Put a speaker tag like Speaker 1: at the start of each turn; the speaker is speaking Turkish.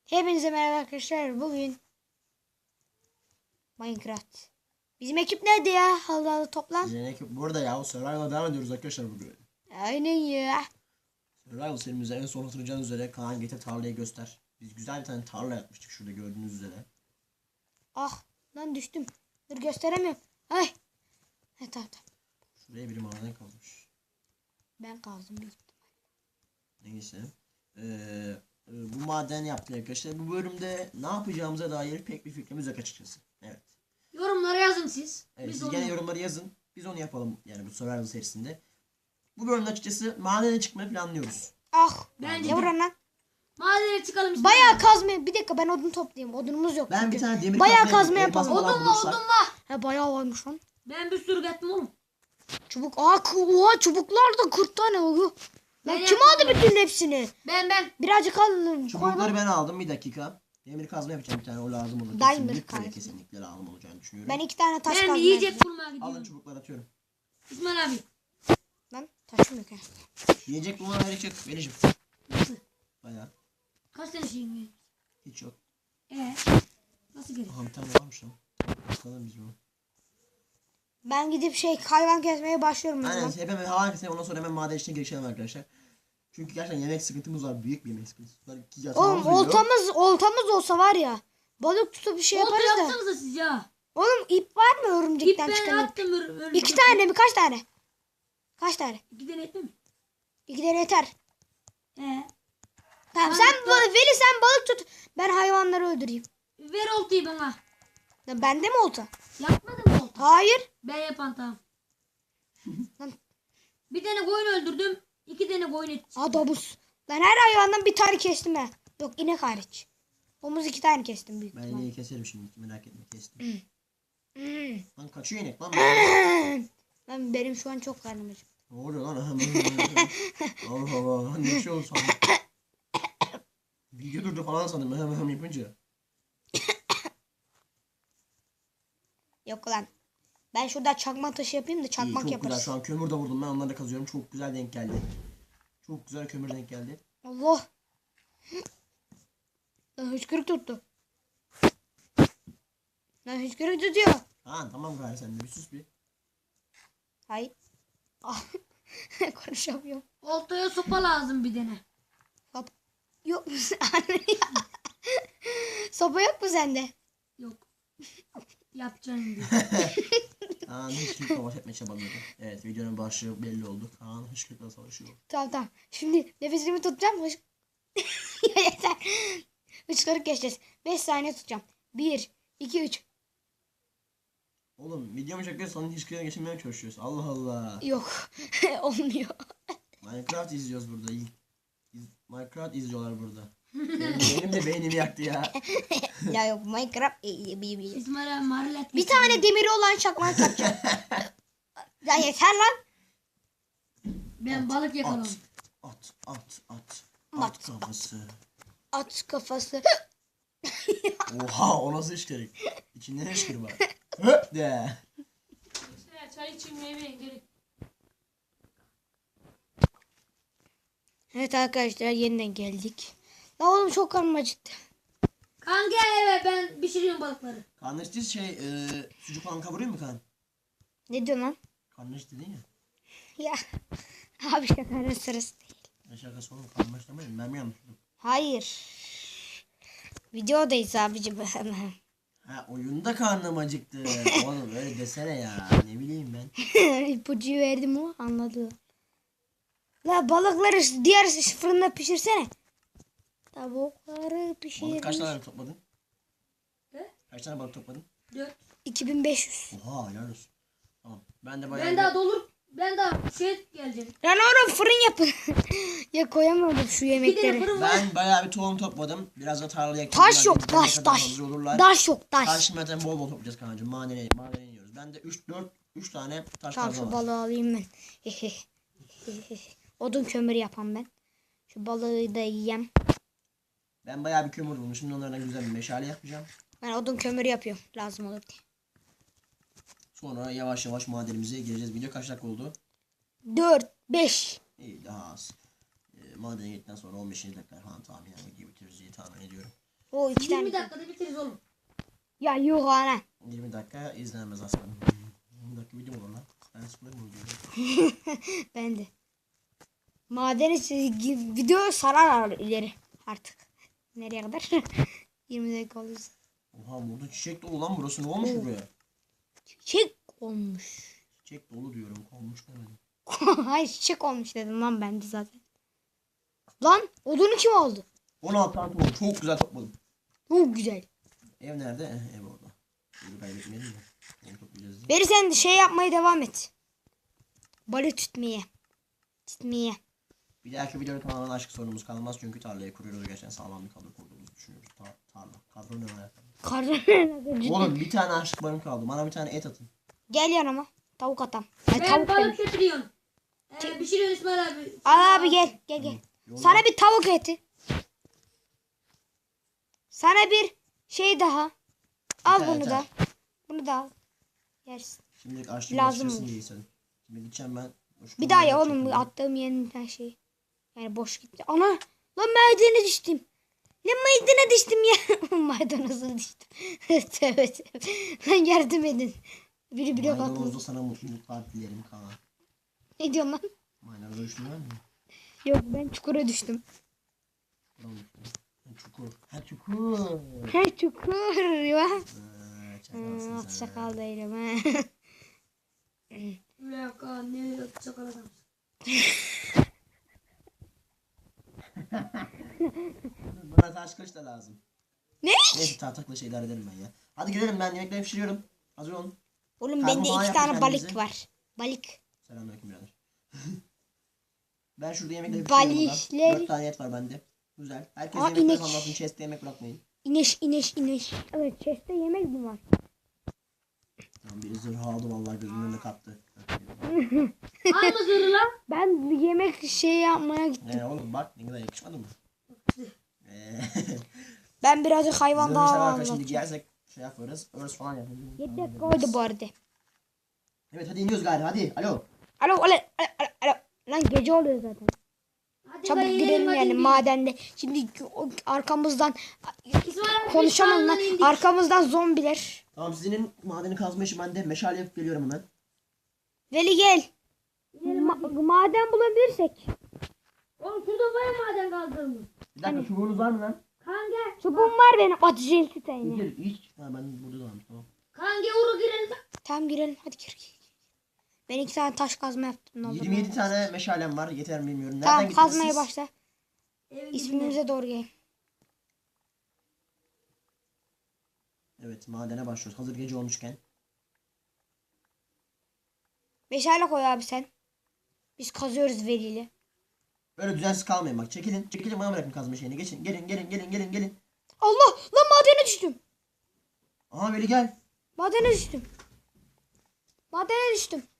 Speaker 1: Hepinize merhaba arkadaşlar. Bugün Minecraft. Bizim ekip nerede ya? Allah toplan.
Speaker 2: Bizim ekip burada ya. Survival'a devam ediyoruz arkadaşlar bugün.
Speaker 1: Aynen ya.
Speaker 2: Survival serimizde en son hatırlayacağınız üzere Kaan getir tarlayı göster. Biz güzel bir tane tarla yapmıştık şurada gördüğünüz üzere.
Speaker 1: Ah lan düştüm. Dur gösteremiyorum. Ay. He tamam.
Speaker 2: Şuraya biri maden kazmış.
Speaker 1: Ben kaldım büyük ihtimal.
Speaker 2: Neyse. Bu maden yaptık arkadaşlar. Bu bölümde ne yapacağımıza dair pek bir fikrimiz yok açıkçası. Evet.
Speaker 3: Yorumlara yazın siz.
Speaker 2: Evet,
Speaker 3: Biz
Speaker 2: siz
Speaker 3: onu
Speaker 2: gene yorumları yazın. Biz onu yapalım yani bu Survival serisinde. Bu bölümde açıkçası madene çıkmayı planlıyoruz.
Speaker 1: Ah.
Speaker 3: Bence
Speaker 1: Ne
Speaker 3: de.
Speaker 1: vuran lan?
Speaker 3: Madene çıkalım işte.
Speaker 1: Bayağı kazma. Bir dakika ben odun toplayayım. Odunumuz yok.
Speaker 2: Ben
Speaker 1: çünkü.
Speaker 2: bir tane demir
Speaker 1: Bayağı
Speaker 2: kazma
Speaker 1: kazma
Speaker 2: yapayım.
Speaker 1: yapalım.
Speaker 2: Elmas falan bulursak-
Speaker 3: Odun var.
Speaker 1: He bayağı varmış lan.
Speaker 3: Ben bir sürü gettim oğlum.
Speaker 1: Çubuk. Oha çubuklar da 40 tane oluyor. Lan
Speaker 3: Ben
Speaker 1: kim
Speaker 3: yapmadım.
Speaker 1: aldı bütün hepsini?
Speaker 3: Ben.
Speaker 1: Birazcık alın.
Speaker 2: Çubukları ben aldım bir dakika. Demir kazma yapacağım bir tane o lazım olur.
Speaker 1: Diamond
Speaker 2: Kesinlikle
Speaker 1: kazma.
Speaker 2: kesinlikle lazım olacağını düşünüyorum.
Speaker 1: Ben 2 tane taş
Speaker 3: Ben
Speaker 1: kazma
Speaker 3: yiyecek
Speaker 1: yapacağım.
Speaker 3: bulmaya
Speaker 2: Alın
Speaker 3: gidiyorum.
Speaker 2: çubukları atıyorum.
Speaker 3: İsmail abi.
Speaker 1: Lan taşım yok ya.
Speaker 2: Yiyecek bulmana gerek yok Melih'cim.
Speaker 3: Nasıl?
Speaker 2: Bayağı.
Speaker 3: Kaç tane şeyin var?
Speaker 2: Hiç yok.
Speaker 3: Nasıl gerek?
Speaker 2: Aha bir tane varmış lan. Bakalım biz bunu.
Speaker 1: Ben gidip hayvan kesmeye başlıyorum.
Speaker 2: Aynen
Speaker 1: Aynen.
Speaker 2: hemen hava kesene ondan sonra hemen maden işine girişelim arkadaşlar. Çünkü gerçekten yemek sıkıntımız var. Büyük bir yemek sıkıntısı var.
Speaker 1: Oğlum oltamız olsa var ya. Balık tutup bir şey
Speaker 3: Olta
Speaker 1: yaparız da.
Speaker 3: yapsanıza siz ya.
Speaker 1: Oğlum ip var mı
Speaker 3: İp
Speaker 1: örümcekten
Speaker 3: ben
Speaker 1: çıkan ip?
Speaker 3: attım.
Speaker 1: 2 tane mi? Kaç tane? Kaç tane?
Speaker 3: 2 tane etme mi?
Speaker 1: 2 tane yeter.
Speaker 3: He.
Speaker 1: Tamam
Speaker 3: Ben
Speaker 1: Veli sen balık tut. Ben hayvanları öldüreyim.
Speaker 3: Ver oltayı bana.
Speaker 1: Lan bende mi olta?
Speaker 3: Yapmadın mı olta?
Speaker 1: Hayır.
Speaker 3: Ben yapan tamam.
Speaker 1: Lan
Speaker 3: Bir tane koyun öldürdüm. 2 tane koyun et.
Speaker 1: domuz. Lan her hayvandan bir tane kestim ha. Yok inek hariç. Domuz 2 tane kestim büyük
Speaker 2: Ben
Speaker 1: ihtimal.
Speaker 2: ineği keserim şimdi merak etme kestim.
Speaker 1: Hmm.
Speaker 2: Lan kaçıyor inek lan.
Speaker 1: Lan benim şu an çok karnım acıktı.
Speaker 2: Ne oluyor lan? Allah Allah. Ne şey oldu sandım. Video durdu falan sandım hemen yapınca.
Speaker 1: Yok lan. Ben şurada çakma taşı yapayım da
Speaker 2: İyi,
Speaker 1: çakmak
Speaker 2: çok
Speaker 1: yaparız.
Speaker 2: güzel şu an kömür de vurdum ben onları da kazıyorum. Çok güzel denk geldi. Çok güzel kömür denk geldi.
Speaker 1: Allah. Lan hıçkırık tuttu. Lan hıçkırık tutuyor.
Speaker 2: Ha tamam gari sen de bir sus bir.
Speaker 1: Hayır. Ah. Konuşamıyorum.
Speaker 3: Oltaya sopa lazım bir tane.
Speaker 1: Hop. Yok mu anne ya? Sopa yok mu sende?
Speaker 3: Yok. Yapacağım diye.
Speaker 2: Kaan hışkırıkla baş etmeye çabalıyordu. Evet videonun başlığı belli oldu. Kaan hışkırıkla savaşıyor.
Speaker 1: Tamam. Şimdi nefesimi tutacağım. Ya yeter. Hıçkırık geçeceğiz. 5 saniye tutacağım. 1, 2, 3.
Speaker 2: Oğlum videomu çekiyoruz sana hışkırıkla geçirmeye çalışıyoruz. Allah Allah.
Speaker 1: Yok. Olmuyor.
Speaker 2: Minecraft izliyoruz burada. Minecraft izliyorlar burada. Benim de beynimi yaktı ya.
Speaker 1: Ya yok Minecraft.
Speaker 3: İsmail abi marilet.
Speaker 1: Bir tane demiri olan çakmak yapacağım. Ya yeter lan.
Speaker 3: Ben balık yakaladım.
Speaker 2: At
Speaker 1: At.
Speaker 2: kafası.
Speaker 1: At kafası.
Speaker 2: Oha o nasıl hışkırık? İçinden hışkırık var. Höp de.
Speaker 3: Çay için meyve gerek.
Speaker 1: Evet arkadaşlar yeniden geldik. La oğlum çok karnım acıktı.
Speaker 3: Kanka evet ben pişiriyorum balıkları.
Speaker 2: Karnıştı sucuk falan kavuruyor mu kan?
Speaker 1: Ne diyorsun lan?
Speaker 2: Karnıştı değil mi?
Speaker 1: Ya. Abi şakanın sırası değil.
Speaker 2: Ne şakası oğlum karnışlamayın ben mi yanlış duydum?
Speaker 1: Hayır. Videodayız abicim.
Speaker 2: Ha oyunda karnım acıktı. Oğlum öyle desene ya. Ne bileyim ben.
Speaker 1: İpucuyu verdim o anladı. La balıkları diğer fırında pişirsene. Tavukları
Speaker 2: Balık kaç
Speaker 1: pişir.
Speaker 2: tane topladın?
Speaker 3: Ne?
Speaker 2: Kaç tane balık topladın?
Speaker 3: 4.
Speaker 1: 2500.
Speaker 2: Oha helal olsun. Tamam. Ben de bayağı
Speaker 3: Ben daha dolur. Ben daha geleceğim.
Speaker 1: Lan oğlum fırın yapın. Ya koyamadım şu
Speaker 3: Bir tane
Speaker 1: yemekleri.
Speaker 3: fırın var.
Speaker 2: ben bayağı bir tohum topladım. Biraz da tarlaya
Speaker 1: Taş yok
Speaker 2: gidene
Speaker 1: taş
Speaker 2: kadar
Speaker 1: taş.
Speaker 2: hazır olurlar.
Speaker 1: Taş yok taş.
Speaker 2: Taş zaten bol bol toplayacağız kancım. Madene iniyoruz. Ben de 3 tane taş
Speaker 1: Tamam
Speaker 2: fazla
Speaker 1: şu
Speaker 2: var.
Speaker 1: balığı alayım ben. Odun kömür yapan ben. Şu balığı da yiyeyim.
Speaker 2: Ben bayağı bir kömür buldum. Şimdi onlardan güzel bir meşale yapacağım.
Speaker 1: Ben odun kömür yapıyorum. Lazım olur diye.
Speaker 2: Sonra yavaş yavaş madenimize gireceğiz. Video kaç dakika oldu?
Speaker 1: 4, 5.
Speaker 2: İyi daha az. Madene gittikten sonra 15 dakika falan tahminen videoyu bitiririz diye tahmin ediyorum.
Speaker 1: O 2 tane.
Speaker 3: 20 dakikada bitiririz oğlum.
Speaker 1: Ya yok ana.
Speaker 2: 20 dakika izlenmez aslanım. 20 dakika video mu olur lan? Ben sıkılır mı oluyor?
Speaker 1: Ben de. Madeni video sarar ileri artık. Nereye kadar? 20 dakika olursa.
Speaker 2: Oha burada çiçek dolu lan burası. Ne olmuş buraya?
Speaker 1: Çiçek olmuş.
Speaker 2: Çiçek dolu diyorum. Olmuş demedim.
Speaker 1: Hayır çiçek olmuş dedim lan ben de zaten. Lan odunu kim aldı?
Speaker 2: 16 tane topladım. Çok güzel topladım.
Speaker 1: Çok güzel.
Speaker 2: Ev nerede? Ev orada. Evi kaybetmeyelim mi? Onu toplayacağız diye.
Speaker 1: Beri sen de şey yapmaya devam et. Balık tutmaya. Tutmaya.
Speaker 2: Bir dahaki videoda tamamen aşk sorunumuz kalmaz çünkü tarlayı kuruyoruz. Gerçekten sağlam bir kadro kurduğumuzu düşünüyoruz. Tarla. Kadro ne var?
Speaker 1: Karnı.
Speaker 2: Oğlum bir tane aşık barım kaldı. Bana bir tane et atın.
Speaker 1: Gel yanıma. Tavuk atam. Ay,
Speaker 3: Ben
Speaker 1: tavuk
Speaker 3: balık
Speaker 1: dedim.
Speaker 3: götürüyorum. Pişiriyorsun İsmail abi.
Speaker 1: Al abi gel. Gel gel.
Speaker 2: Yolda-
Speaker 1: Sana bir tavuk eti. Sana bir şey daha. Al
Speaker 2: Yeter,
Speaker 1: bunu
Speaker 2: yeter.
Speaker 1: da. Bunu da al. Yersin.
Speaker 2: Şimdi açtım
Speaker 1: Lazım
Speaker 2: başlasın
Speaker 1: olur.
Speaker 2: diye istedim. Şimdi gideceğim ben.
Speaker 1: Bir daha ya oğlum attığım yeniden şey. Yani boş gitti. Ana lan maydanoza düştüm. Lan maydanoza düştüm ya. Maydanoza düştüm. Tövbe tövbe. Lan yardım edin. Biri blok
Speaker 2: Maydanozda
Speaker 1: atmış.
Speaker 2: sana mutluluklar dilerim Kaan.
Speaker 1: Ne diyorsun lan?
Speaker 2: Maydanozda düştün var mı?
Speaker 1: Yok ben çukura düştüm.
Speaker 2: Buradan düştün. Ha, çukur. Ha çukur.
Speaker 1: He çukur ya.
Speaker 2: Çakalsın
Speaker 1: At
Speaker 2: sen.
Speaker 1: sakal değilim he.
Speaker 3: Ulan Kaan ne çakal adamsın.
Speaker 2: Bana taş kılıç da lazım.
Speaker 1: Ne?
Speaker 2: Neyse tahtakla şeyler ederim ben ya. Hadi gidelim ben yemekleri pişiriyorum. Hazır olun.
Speaker 1: Oğlum
Speaker 2: Karnı
Speaker 1: bende
Speaker 2: falan
Speaker 1: 2
Speaker 2: yapın
Speaker 1: tane balık
Speaker 2: kendinize.
Speaker 1: var. Balık.
Speaker 2: Selamünaleyküm birader. Ben şurada yemekleri pişiriyorum
Speaker 1: Balikler.
Speaker 2: burada. 4 tane et var bende. Güzel. Herkes
Speaker 1: Aa,
Speaker 2: yemekleri
Speaker 1: inek.
Speaker 2: anlatsın. Chest'te yemek bırakmayın.
Speaker 1: İneş ineş ineş. Evet chest'te yemek mi var?
Speaker 2: Tamam biri zırh aldı vallahi gözümün önüne kattı.
Speaker 3: Alma zırhı lan.
Speaker 1: Ben yemek şey yapmaya gittim.
Speaker 2: Oğlum bak ne kadar yakışmadı mı?
Speaker 1: Ben birazcık hayvan
Speaker 2: Zırhı
Speaker 1: daha
Speaker 2: severken şimdi
Speaker 1: anlatacağım.
Speaker 2: giyersek şey yaparız. Örs falan yaparız.
Speaker 1: 7 dakika oldu bu arada.
Speaker 2: Evet hadi iniyoruz galiba hadi. Alo.
Speaker 1: Alo alo alo alo. Lan gece oluyor zaten.
Speaker 3: Hadi
Speaker 1: Çabuk
Speaker 3: ben
Speaker 1: girelim
Speaker 3: inelim, hadi
Speaker 1: yani
Speaker 3: gidelim.
Speaker 1: madende. Şimdi arkamızdan
Speaker 3: İsmail abi
Speaker 1: konuşamam
Speaker 3: biz
Speaker 1: lan.
Speaker 3: dağdan indik.
Speaker 1: Arkamızdan zombiler.
Speaker 2: Tamam sizin madeni kazma işi bende. Meşale yapıp geliyorum hemen.
Speaker 1: Veli gel.
Speaker 3: İnelim hadi.
Speaker 1: Maden bulabilirsek.
Speaker 3: Oğlum şurada var maden kaldırmış.
Speaker 2: Bir dakika çubuğunuz var mı lan?
Speaker 3: Kaan gel.
Speaker 1: Çubuğum var benim. Atıcı tane.
Speaker 2: Gir hiç. Ha ben burada varmış tamam.
Speaker 3: Kaan gel uğra girelim.
Speaker 1: Tamam girelim hadi gir. Ben 2 tane taş kazma yaptım. Ne olur.
Speaker 2: 27 tane meşalem var. Yeter mi bilmiyorum. Nereden
Speaker 1: Tamam
Speaker 2: gittiniz
Speaker 1: kazmaya
Speaker 2: siz?
Speaker 1: başla.
Speaker 3: Evin dibine.
Speaker 1: İsmimize doğru gel.
Speaker 2: Evet madene başlıyoruz. Hazır gece olmuşken.
Speaker 1: Meşale koy abi sen. Biz kazıyoruz Veli'yle.
Speaker 2: Böyle düzensiz kalmayın bak. Çekilin. Çekilin bana bırakın kazma şeyini. Geçin. Gelin.
Speaker 1: Allah lan madene düştüm.
Speaker 2: Aha Veli gel.
Speaker 1: Madene düştüm. Madene düştüm.